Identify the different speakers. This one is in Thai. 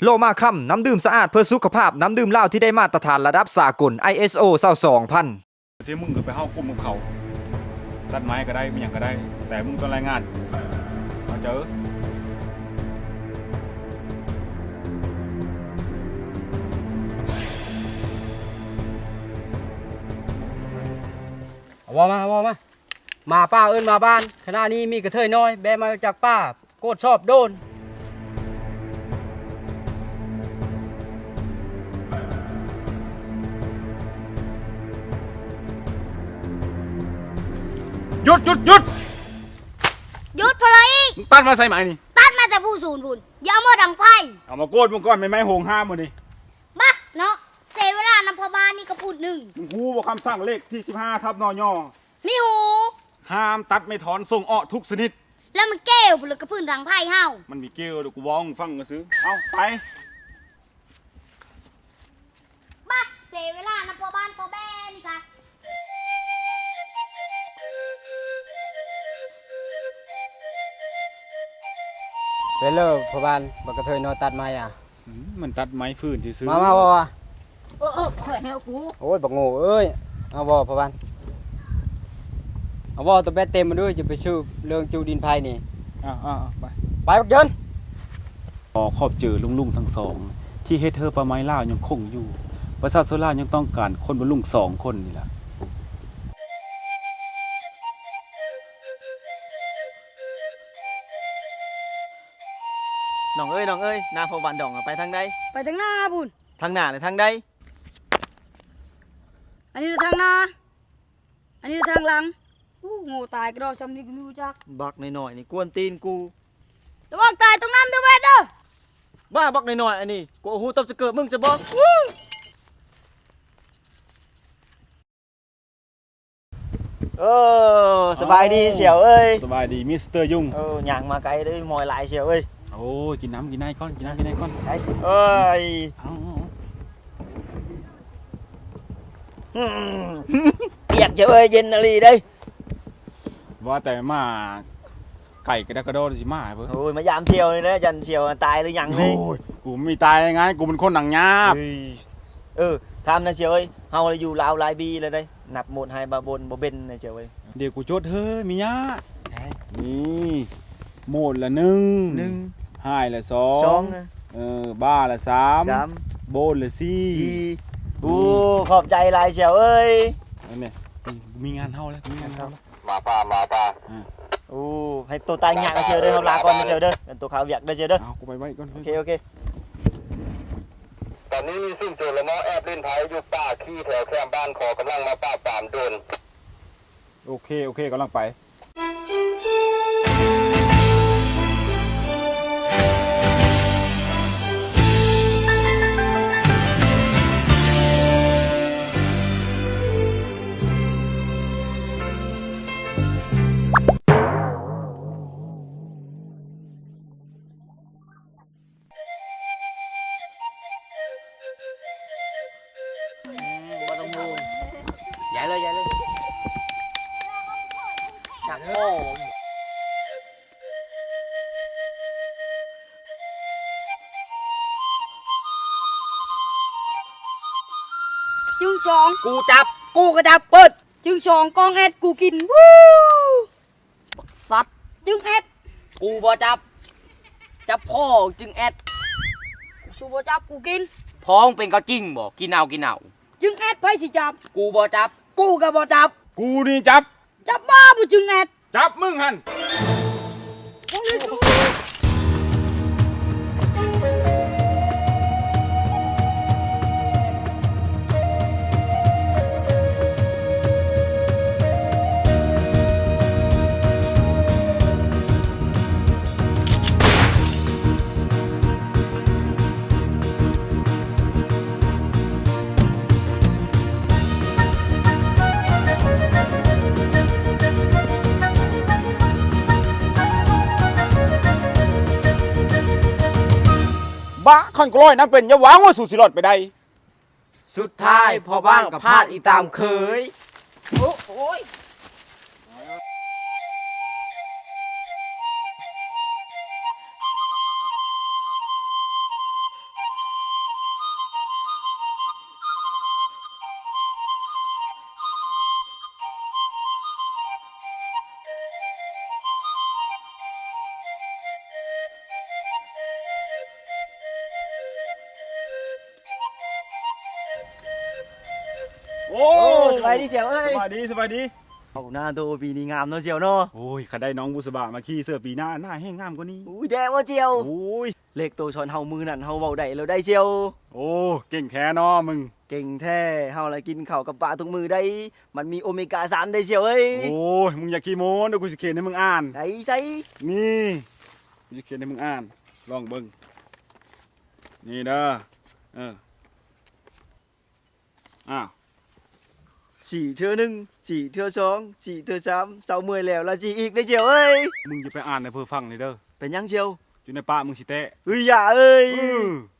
Speaker 1: โลมาค่ำน้ำดื่มสะอาดเพื่อสุขภาพน้ำดื่มเหล้าที่ได้มาตรฐานระดับสากล ISO 22000
Speaker 2: ที่มึงก็ไปเข้ากลุ่มกับเขาตัดไม้ก็ได้ไม่อย่างก็ได้ แต่มึงต้องรายงานมาเจอ
Speaker 3: มาป้าเอิ้นมาบ้านขณะนี้มีกระเทยน้อยแบมาจากป้าโกดชอบโดน
Speaker 2: หยุด
Speaker 4: หยุดพลอยอีก
Speaker 2: มึงตัดมาใส่ไหมนี่
Speaker 4: ตัดมาแต่ผู้ศูนย์พุ่นอย่าเอามาดังไพ่
Speaker 2: เอามาโกดมึงก่อนไม่โหงห้ามมึงนี่
Speaker 4: บ้าเนาะเสียเวลานำพบาลนี่ก็พูดหนึ่ง
Speaker 2: มึงฮู้ว่าคำสั่งเลขที่15 ทับนอย่อ
Speaker 4: มีหู
Speaker 2: ห้ามตัดไม่ถอนส่งอ้อทุกชนิด
Speaker 4: แล้วมันแก้วพุ่นเลยกระพื้นดังไพ่เฮา
Speaker 2: มันมีเกลียวเดี๋ยวกูว้องฟังก็ซื้อเอาไป
Speaker 4: บ้าเสียเวลานำพบาลพอแบนี่กะ
Speaker 3: ไปเลิกพ่อบ้านบักกระเทยน้อยตัดไม้อ่ะ
Speaker 2: มันตัดไม้ฟืนที่ซื้อ
Speaker 3: มาบ่
Speaker 4: ข่อยแนวกู
Speaker 3: โอ้ยบักโง่เอ้ยเอาบ่พ่อบ้านเอาบ่ตัวแบตเต็มมาด้วยจะไปชื่อเรื่องจูดินไผ่นี่
Speaker 2: ไป
Speaker 3: ไปบักเยิน
Speaker 2: ขอขอบเจอลุงทั้งสอง ที่เฮ็ดเธอประไม้ล่าวยังคงอยู่ ประชาชนล่าวยังต้องการคนบรรลุง2 คนนี่แหละ
Speaker 5: น้องเอ้ยนาพอบันดองอะไปทางใด
Speaker 6: ไปทางหน้าพุ่น
Speaker 5: ทางหน้าหรือทางใด
Speaker 6: อันนี้ทางหน้า อันนี้ทางหลังอู้โง่ตายกระโดดซ้ำนี่กูไม่รู้จัก
Speaker 5: บักหน่อยๆนี่กวนตีนกู
Speaker 6: ระวังตายตรงน้ำด้วยเวยเด้อ
Speaker 5: บ้าบักหน่อยๆอันนี้กูเอาหูตบจะเกิดมึงจะบอกสบายดีเสี่ยวเอ้ย
Speaker 2: สบายดีมิสเตอร์ยุ่ง
Speaker 5: หย่างมาไกลเลยมอยหลายเสี่ยวเอ้ย
Speaker 2: โอ้ยกินน้ำกินไนก้อนกินน้ำกินไนก้อน
Speaker 5: ใช่เอ้ย
Speaker 2: เอา
Speaker 5: เปียกเสี่ยวเอ้ยเย็นอะไรเด้ย
Speaker 2: ว่าแต่มาไก่กระดกกระโดดสิมาเพิ่น
Speaker 5: โอ้ยมายามเสี่ยวนี่นะยันเสี่ยวตายหรือยังเลย
Speaker 2: กูไม่มีตายยังไงกูเป็นคนหนังหยาบ
Speaker 5: ทำนะเสี่ยวเอ้ยเฮาอยู่ลาวหลายปีแล้วเด้ยนับหมดให้บาบนบ่เบนนะเสี่ยวเอ้ย
Speaker 2: เดี๋ยวกูโจทย์เฮ้ยมียะ
Speaker 5: ไหน
Speaker 2: นี่โหมดละ1
Speaker 5: หนึ่ง
Speaker 2: หายละ
Speaker 5: สอง
Speaker 2: 2
Speaker 5: นะ
Speaker 2: บ้าละ
Speaker 5: สาม
Speaker 2: 3โบนละ
Speaker 5: สี่
Speaker 2: 4
Speaker 5: โอ้ขอบใจหลายเสี่ยวเอ้ย
Speaker 2: อันนี้มีงานเฮาแล้วมีงานเฮาแล้ว
Speaker 7: มาป้า
Speaker 5: โอ้ให้ตัวตายงานเชียวเด้อเขาลาก่อนเชียวเด้อตัวขาวอยากได้เชียวเด้อ
Speaker 2: เอากูไปไว้ก่อน
Speaker 5: โอเค
Speaker 7: ตอนนี้มีสิ่งโจรละเมาะแอบเล่นไพ่อยู่ป่าขี้แถวแคมป์บ้านขอกำลังมาป้าบปรามโดน
Speaker 2: โอเคกำลังไป
Speaker 5: บ่ต้องมูใหญ่เลยชักโม่
Speaker 6: จึงสอง
Speaker 5: กูจับกูก็จับเปิด
Speaker 6: จึงสองกองแอดกูกินวู้
Speaker 5: สัตว์
Speaker 6: จึงแอด
Speaker 5: กูบ่จับพ่อจึงแอด
Speaker 6: กูสูบจับกูกิน
Speaker 5: พ้องเป็นก็จริงบ่กินเอา
Speaker 6: จึงแอดไปสิจับ
Speaker 5: กูบ่จับกูก็บ่จับ
Speaker 2: กูนี่จับ
Speaker 6: จับบ้าบุจึงแอด
Speaker 2: จับมึงหัน บ้าขันกล้อยนักเป็นอย่าหวังว่าสู่สิรอดไปได้
Speaker 5: สุดท้ายพอบ้านกับพลาดอีตามเคย
Speaker 6: โอ้ย
Speaker 2: โอ้
Speaker 5: สบายดีเชียวเอ้ย
Speaker 2: สบายดีสบายดี
Speaker 5: เอาหน้าโตปีนี้งามเนาะเชียวเนาะ
Speaker 2: โอ้ยข้าได้น้องบุษบามาขี่เสื้อปีหน้าแห้งงามกว่านี้
Speaker 5: อุ้ยแดงว่าเชียว
Speaker 2: โอ้ย
Speaker 5: เลขโตชอนเฮามือนั่นเฮาเว้าได้แล้วได้เชียว
Speaker 2: โอ้เก่งแท้เนาะมึง
Speaker 5: เก่งแท้เฮาละกินข้าวกับปลาทุกมือได้ มันมีโอเมก้า3ได้เชียวเอ้ย
Speaker 2: โอ้ยมึงอย่าขี้โม้เดี๋ยวกูสิเขียนให้มึงอ่าน
Speaker 5: ไอ้ไส
Speaker 2: นี่กูจะเขียนให้มึงอ่านลองเบิ่งนี่เด้ออ้าว
Speaker 5: สี่เทื่อหนึ่งสี่เทื่อสองสี่เทื่อสามเศร้าเมื่อยแล้วละจีอีกได้เชียวเอ้ย
Speaker 2: มึงอย่าไปอ่านในเพื่อฟังเลยเด้อ
Speaker 5: เป็นยังเชียว
Speaker 2: อยู่ในป่ามึงสิเตะ
Speaker 5: เฮ้ยอย่าเอ้ย
Speaker 2: อื้อ